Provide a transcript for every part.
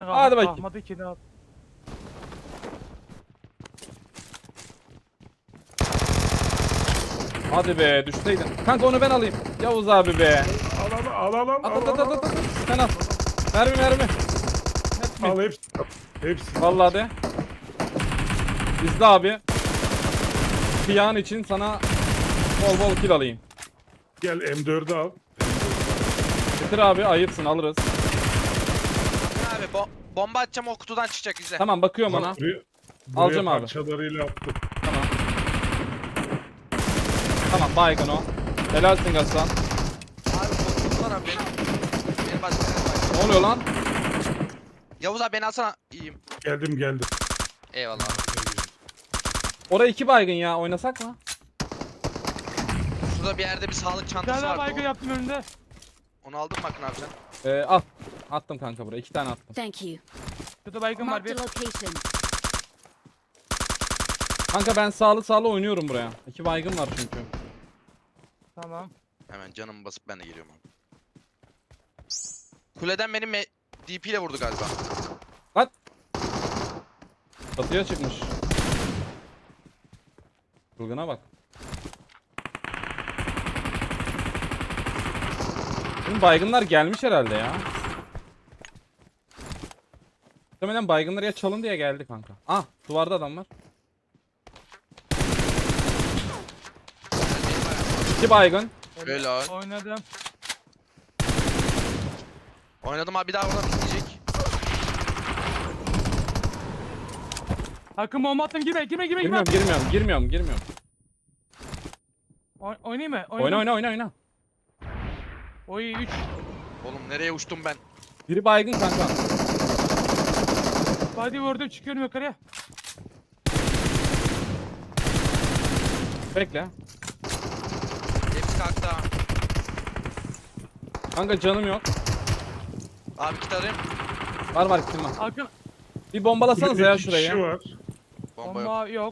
Hadi bakayım. Ahmet'i kedi al. Hadi be düşseydin. Kanka onu ben alayım. Yavuz abi be. Alalım. At. Sen al. Mermi. Al hepsi. Hepsi. Vallahi de. İzle abi. Kıyağın için sana bol kill alayım. Gel M4'ü al. Getir abi ayıpsın alırız. Abi bomba atacağım, o kutudan çıkacak, izle. Tamam bakıyorum ona. Buraya Alacağım abi. parçalarıyla attım. Tamam. Tamam baygın o. Helalsin Gassan. Abi kutudan abi benim başka Ne oluyor lan? Yavuz abi beni alsana, iyiyim. Geldim. Eyvallah abi. Oraya 2 baygın ya oynasak mı? Şurada bir yerde bir sağlık Bir çantası tane daha vardı. baygın yaptım önünde. Onu aldın mı Akın abi sen? Al. Attım kanka buraya 2 tane attım. Thank you. Şurada baygın var Marked bir. a location. Kanka ben sağlı oynuyorum buraya. 2 baygın var çünkü. Tamam. Hemen canımı basıp ben de geliyorum abi. Kuleden benim DP ile vurdu galiba. At. Çatıya çıkmış. Çılgına bak. Şimdi baygınlar gelmiş herhalde ya. Muhtemelen baygınları ya çalın diye geldi kanka. Ah duvarda adam var. 2 baygın. Helal. Oynadım. Oynadım abi, bir daha oradan bitmeyecek. Hakkım bomba attım, girme. Girmiyorum. Oynayayım mı? Oyna. Oy 3. Oğlum nereye uçtum ben? Biri baygın kanka. Body vurdum, çıkıyorum yukarıya. Bekle. Hepsi kalktı ha. Kanka canım yok. Abi kit arayayım. Var kitim var. Hakkım Bir bombalasanız Kulede ya 2 şurayı. kişi var. Bomba yok. bomba yok.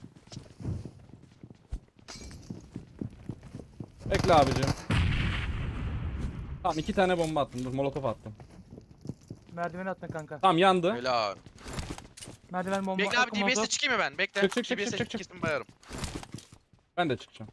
Bekle abicim. Tamam 2 tane bomba attım. Dur molotof attım. Merdiveni attın kanka. Tamam yandı. Helal. Merdiven bomba. Bekle abi, Hakkım DBS'e oldu. çıkayım mı ben? Bekle. Çık. DBS'e kesin bayarım. Ben de çıkacağım.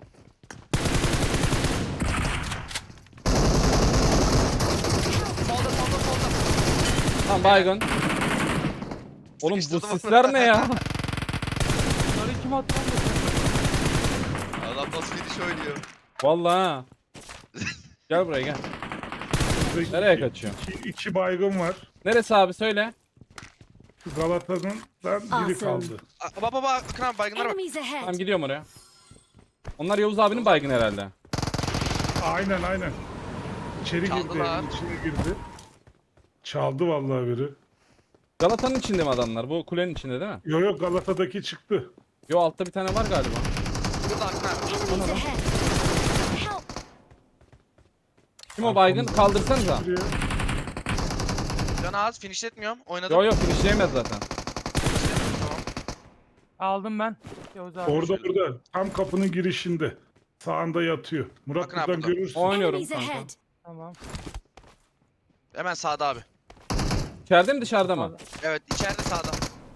Solda. Tamam baygın. Oğlum bu Sıkıştırdım. sisler ne ya? Bunları kim attı lan? Adam nasıl gidiş oynuyor? Vallahi ha. Gel buraya gel. Nereye kaçıyor? İki baygın var. Neresi abi söyle. Şu Galata'dan biri Awesome. kaldı. Baba Akın abi, baygınlara bak. Enemies ahead. Tamam gidiyorum oraya. Onlar Yavuz abinin baygın herhalde. Aynen. İçeri girdi, Çaldılar. evin içine girdi. Çaldı vallahi biri. Galata'nın içinde mi adamlar? Bu kulenin içinde değil mi? Yo Galata'daki çıktı. Yo altta bir tane var galiba. Burada Akın abi. Enemies ahead. Help. Kim o baygın? Kaldırsanıza. Buraya. Canı az, finishletmiyorum. Oynadım. Yo finishleyemez zaten. Finishlemedim, tamam. Aldım ben. Yavuz abi. Orada. Tam kapının girişinde. Sağında yatıyor. Murat Bakın abi buradan burada. görürsün. Oynuyorum Enemies kanka. ahead. Tamam. Hemen sağda abi. İçeride mi dışarıda mı? Evet, içeride sağda.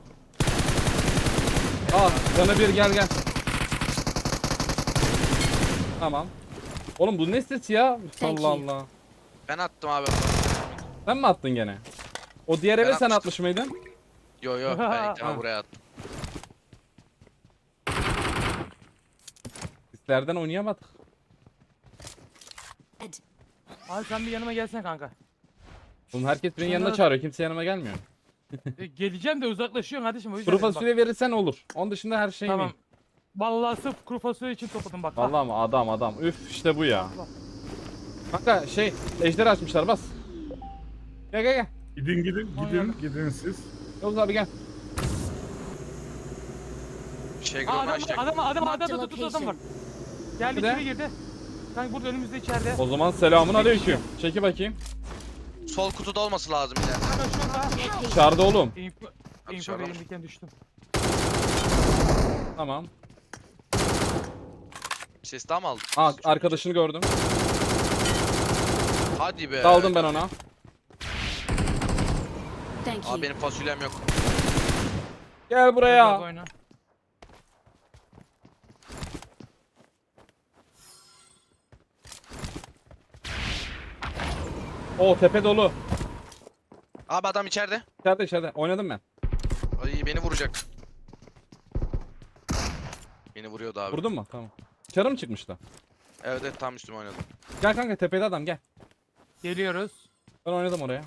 Al canı bir gel. Tamam. Oğlum bu ne ses ya? Thank Allah you. Allah. Ben attım abi. Sen mi attın gene? O diğer eve sen atmıştım. atmış mıydın? Yo ben ilk Ha. defa buraya attım. Sislerden oynayamadık. Abi sen bir yanıma gelsen kanka. Oğlum herkes benim yanına Şunları- çağırıyor. Kimse yanıma gelmiyor. Geleceğim de uzaklaşıyorsun kardeşim, o yüzden. Kuru dedim bak. fasulye verirsen olur. Onun dışında her şey Tamam. mi? Vallahi sırf kuru fasulye için topladım bak. Vallahi mı? Adam. Üf işte bu ya. Kanka ejder açmışlar bas. Gel. Gidin siz. Yavuz abi gel. Şey Aa, gronu açacak. adam Marked var. location. Geldi, Nerede? içeri girdi. Kanka burada önümüzde içeride. O zaman selamun aleyküm. Çeki bakayım. Sol kutuda olması lazım yine. Kanka şurada. Dışarıda oğlum. Info dışarıda mı? verilirken düştüm. Tamam. Ses daha mı aldın? Aa arkadaşını gördüm. Hadi be. Daldım ben ona. Thank you. Abi benim fasulyem yok. Gel Abi buraya. oyna. O tepe dolu. Abi adam içeride. İçeride içeride. Oynadım ben. Ay beni vuracak. Beni vuruyordu abi. Vurdun mu? Tamam. Dışarı mı çıkmıştı? Evet evet tam üstüme oynadım. Gel kanka tepede adam gel. Geliyoruz. Ben oynadım oraya.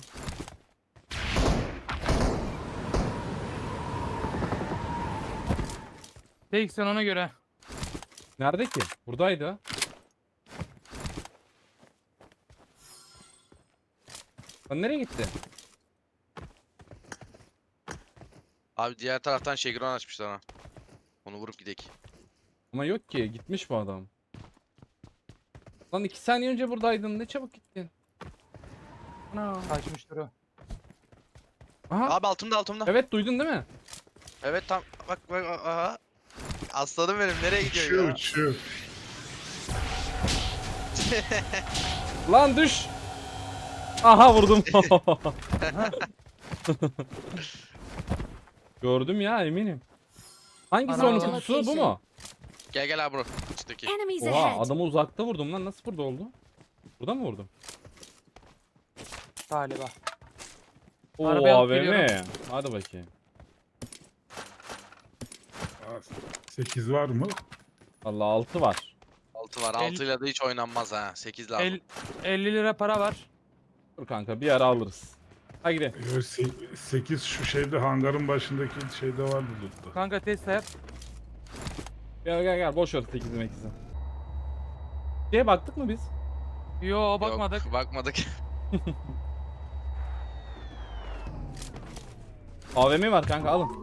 Tek sen ona göre. Nerede ki? Buradaydı. Lan nereye gitti? Abi diğer taraftan Şegron açmışlar ha. Onu vurup gidek. Ama yok ki. Gitmiş bu adam. Lan 2 saniye önce buradaydın. Ne çabuk gittin. Ana. Kaçmıştır o. Aha. Abi altımda. Evet duydun değil mi? Evet tam bak aha. Aslanım benim nereye gidiyor Uçuyor ya? uçuyor. Lan düş. Aha vurdum. Gördüm ya eminim. Hangisi Ana. onun kutusu bu mu? Gel abi bro. Açıktaki. Enemies Oha ahead. adamı uzakta vurdum lan. Nasıl burada oldu? Burada mı vurdum? Galiba. Oo Arabaya alıp AVM. geliyorum. Hadi bakayım. 8 var mı? Vallahi 6 var. 6 var. El- 6 ile de hiç oynanmaz ha. 8 lazım. 50 lira para var. Dur kanka bir ara alırız. Hadi gidelim. 8 şu şeyde hangarın başındaki şeyde vardı lootta. Kanka test yap. Gel boş ver 8'i 8'i. Şeye baktık mı biz? Yo bakmadık. Yok, bakmadık. AVM var kanka alın.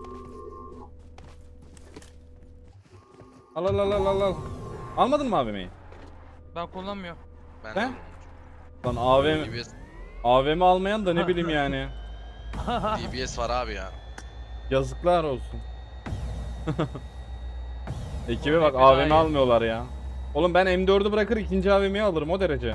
Al. Almadın mı AVM'yi? Ben kullanmıyorum. Ben He? de Lan AVM, DBS, AVM almayan da ne bileyim yani. DBS var abi ya. Yazıklar olsun. Ekibe Oğlum, bak hep daha AVM iyi. almıyorlar ya. Oğlum ben M4'ü bırakır ikinci AVM'yi alırım o derece.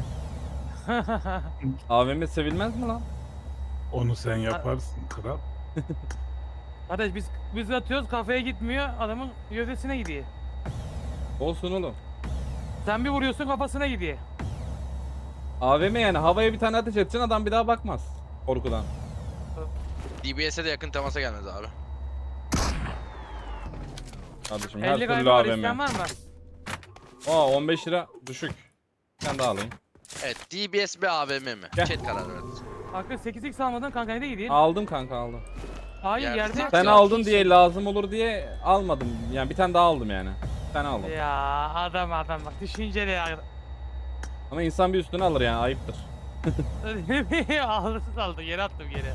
AVM sevilmez mi lan? Onu sen yaparsın kral. Kardeş biz atıyoruz kafaya gitmiyor adamın gövdesine gidiyor. Olsun oğlum. Sen bir vuruyorsun kafasına gidiyor. AVM yani havaya bir tane ateş edeceksin adam bir daha bakmaz. Korkudan. DBS'e de yakın temasa gelmez abi. Kardeşim her 50 türlü galiba var AVM. isteyen var mı? Aa 15 lira düşük. Ben de alayım. Evet DBS mi AVM mi? Gel. Chat karar verdi. Hakkı 8x almadın kanka nereye gidiyor? Aldım kanka aldım. Hayır Yerde. yerde. Sen Ya, aldın diye lazım olur diye almadım. Yani bir tane daha aldım yani. Bir tane aldım. Ya adam bak düşünceli ya. Ama insan bir üstüne alır yani ayıptır. Aldı geri attım geri.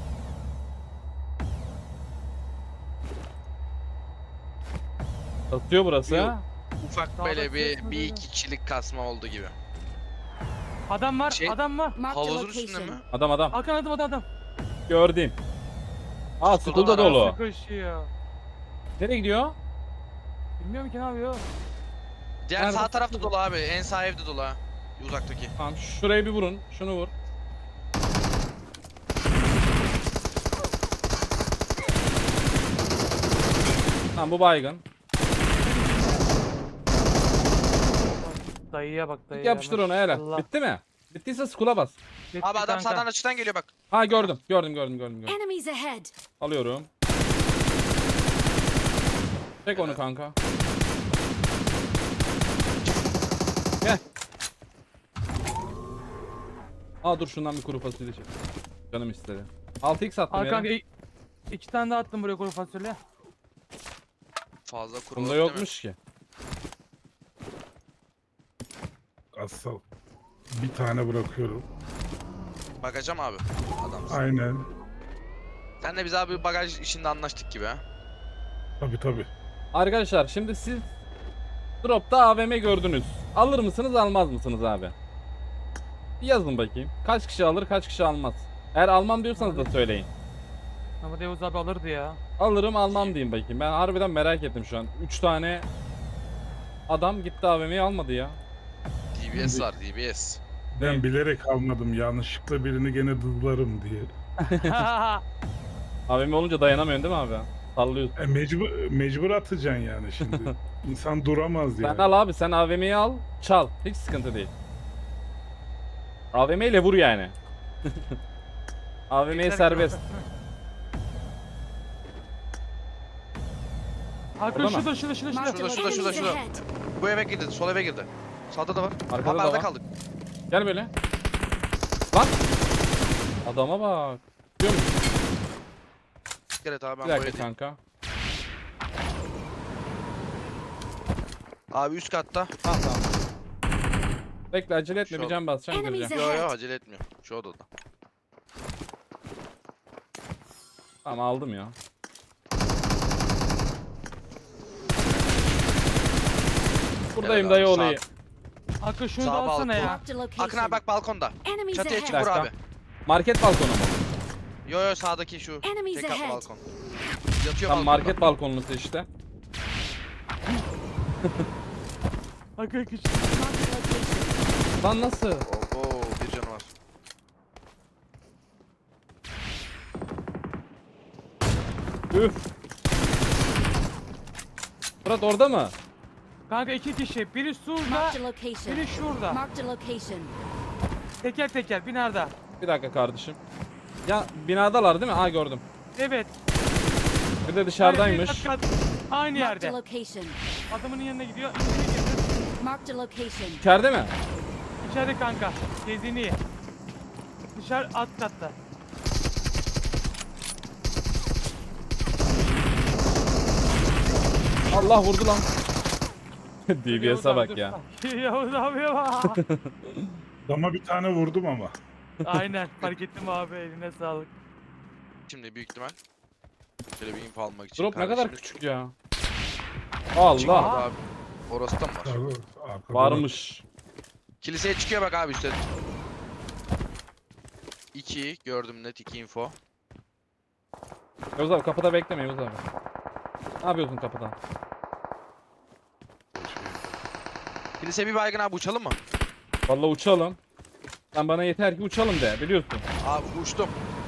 Atıyor burası Yok. ha. Ufak Daha böyle da bir kesmedi bir ya. iki kişilik kasma oldu gibi. Adam var Şey- adam var. Marked a Havuzun üstünde location. mi? Adam. Hakan adam. Gördüm. Aa School'da school'da var. dolu. Koşuyor. Nereye gidiyor? Bilmiyorum ki ne yapıyor. Diğer Nerede? sağ tarafta dolu abi. En sağ evde dolu ha. Uzaktaki. Tamam şuraya bir vurun. Şunu vur. Tamam bu baygın. Dayıya bak Git dayıya. yapıştır onu hele. maşallah. Bitti mi? Bittiyse school'a bas. Bitti Abi adam kanka. sağdan açıdan geliyor bak. Ha gördüm. Enemies ahead. Alıyorum. Çek onu kanka. Gel. Aa dur şundan bir kuru fasulye çek. Canım istedi. 6x attım Al ya. kanka iki tane daha attım buraya kuru fasulye. Fazla kuru Bunda değil mi? yokmuş ki. Asal. Bir tane bırakıyorum. Bakacağım abi. Adam. Aynen. Sen de biz abi bagaj işinde anlaştık gibi ha. Tabii. Arkadaşlar şimdi siz dropta AVM gördünüz. Alır mısınız almaz mısınız abi? Bir yazın bakayım. Kaç kişi alır kaç kişi almaz. Eğer almam diyorsanız da söyleyin. Ama Devuz abi alırdı ya. Alırım almam diyeyim bakayım. Ben harbiden merak ettim şu an. 3 tane adam gitti AVM'yi almadı ya. DBS var DBS. Ben bilerek almadım. Yanlışlıkla birini gene dızlarım diye. AVM olunca dayanamıyorsun değil mi abi? Sallıyorsun. Mecbur atacaksın yani şimdi. İnsan duramaz Sen yani. al abi, sen AVM'yi al, çal. Hiç sıkıntı değil. AVM ile vur yani. AVM'ye serbest. Hakan Orada mı? şurada. Marked a Şurada, location. şurada. Enemies ahead. Bu eve girdi. Sol eve girdi. Sağda da var. Arkada Abi da arada var. kaldık. Gel böyle. Lan. Adama bak. Görüyor musun? Evet abi Bir ben bu dakika evdeyim. kanka. Abi üst katta. Tamam tamam. Bekle, acele etme, Şu bir an- can basacağım, Enemies gireceğim. Yo acele etmiyor. Şu odada. Tamam, aldım ya. Buradayım Evet abi, dayı sağ- olayı. Hakan şunu Sağ da alsana balkon. ya. Marked a location. Akın abi bak balkonda. Enemies Çatıya çık ahead. vur Dakika. abi. Market balkonu mu? Yo sağdaki şu. Enemies Tek katlı ahead. balkon. Yatıyor Tam balkonda. market balkonlusu işte. Hakan küçük. Marked a location. Lan nasıl? Oo bir canı var. Üf. Murat orada mı? Kanka 2 kişi. Biri şurada. Marked a location. Biri şurada. Marked a location. Teker teker binada. Bir dakika kardeşim. Ya binadalar değil mi? Aa, gördüm. Evet. Bir de dışarıdaymış. Kat kat. Aynı Marked a yerde. location. Adamın yanına gidiyor. İçeri girdi. Marked a location. İçeride mi? İçeride kanka. Geziniyor. Dışarı alt katta. Allah vurdu lan. Yavuz DBS'e abi, bak dur. ya. Yavuz abi bak. Dama bir tane vurdum ama. Aynen fark ettim abi, eline sağlık. Şimdi büyük ihtimal. Şöyle bir info almak için. Drop ne kadar kardeşimiz küçük ya. çıktı Allah. abi. Orası da mı var? Arkada Varmış. Kiliseye çıkıyor bak abi üstte. 2 gördüm net 2 info. Yavuz abi kapıda bekleme Yavuz abi. Ne yapıyorsun kapıda? Kilise bir baygın abi uçalım mı? Vallahi uçalım. Sen bana yeter ki uçalım de, biliyorsun. Abi uçtum.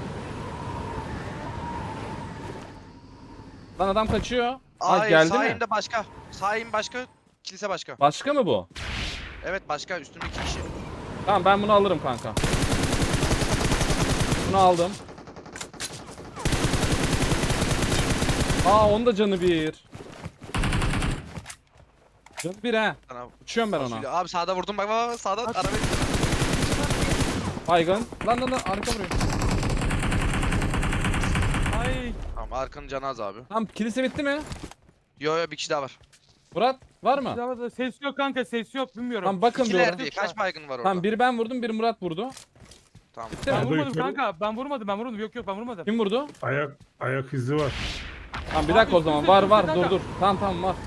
Lan adam kaçıyor. Aa, Hayır geldi mi? sahimde başka. Sahim başka. Kilise başka. Başka mı bu? Evet başka üstümde 2 kişi. Tamam, ben bunu alırım kanka. Bunu aldım. Aa, onun da canı bir. Canı bir he. Sana Uçuyorum ben ona. fasulye. Abi sağda vurdum bak sağda At. arabayı. Baygın. Lan arka vuruyor. Ay. Tamam arkanın canı az abi. Tamam, kilise bitti mi? Yo bir kişi daha var. Murat var mı? Silahda ses yok kanka, ses yok, bilmiyorum. Tamam, bakın bir İkiler orada. değil. Kaç baygın var orada? Tamam, biri ben vurdum, biri Murat vurdu. Tamam. Bitti Ben mi? Orada vurmadım yukarı- kanka, ben vurmadım. Yok ben vurmadım. Kim vurdu? ayak izi var. Tamam, bir Abi, dakika o zaman. üstümüzde, Var üstümüzde dur kanka. Tamam var.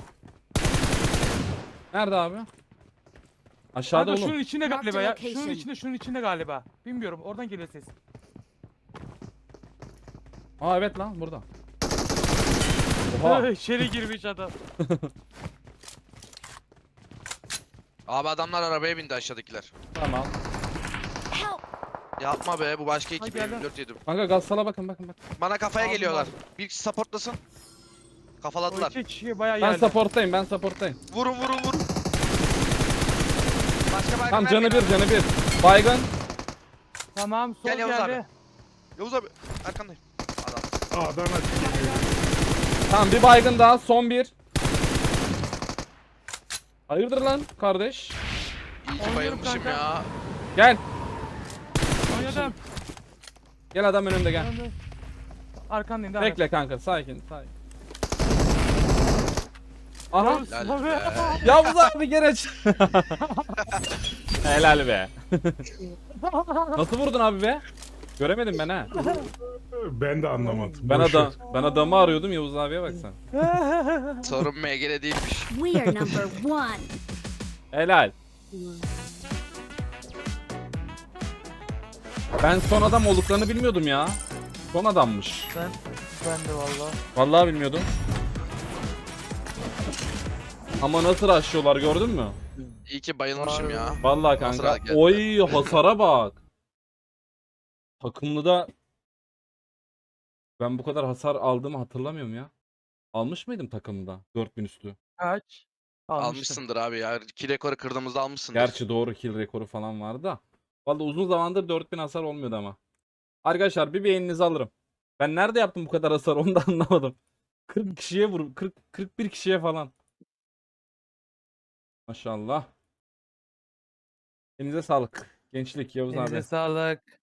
Nerede abi? Aşağıda Kanka oğlum. şunun içinde Marked galiba ya. location. Şunun içinde galiba. Bilmiyorum, oradan geliyor ses. Aa, evet lan burada. Oha. İçeri girmiş adam. Abi adamlar arabaya bindi aşağıdakiler. Tamam. Help! Yapma be bu başka Hadi ekip gel lan. 4 yedim. Kanka gazsala bakın. Bana kafaya Aldım geliyorlar. abi. Bir kişi supportlasın. O Kafaladılar. iki kişi bayağı Ben yerler. supporttayım. Vurun. Başka baygın Tamam, vermeyin canı abi. bir. Baygın. Tamam, sol Gel Yavuz geldi. abi. Yavuz abi arkandayım. Adam. A'dan açık. Tamam, bir baygın daha. Son bir. Hayırdır lan kardeş? İyi ki Oynuyorum bayılmışım kanka. ya. Gel. Oynadım. Gel adam önümde gel. Oynadım. Arkandayım, devam et. Bekle kanka, sakin. Aha. Yavuz Helal abi. be. Yavuz abi geç. Helal be. Nasıl vurdun abi be? Göremedim ben ha. Ben de anlamadım. Ben Boş ver. adamı arıyordum, Yavuz abiye bak sen. Sorun MG'de değilmiş. We are number one. Helal. Ben son adam olduklarını bilmiyordum ya. Son adammış. Ben de valla. Vallahi bilmiyordum. Ama nasıl rushlıyorlar, gördün mü? İyi ki bayılmışım ya. Vallahi Hasara kanka. geldi. Oy, hasara bak. Takımlı da Ben bu kadar hasar aldığımı hatırlamıyorum ya. Almış mıydım takımda 4000 üstü? Kaç? Almıştım. Almışsındır abi ya. Kill rekoru kırdığımızda almışsındır. Gerçi doğru, kill rekoru falan vardı da. Vallahi uzun zamandır 4000 hasar olmuyordu ama. Arkadaşlar bir beğeninizi alırım. Ben nerede yaptım bu kadar hasar onu da anlamadım. 40 kişiye vur 41 kişiye falan. Maşallah. Elinize sağlık. Gençlik Yavuz Elinize abi. sağlık.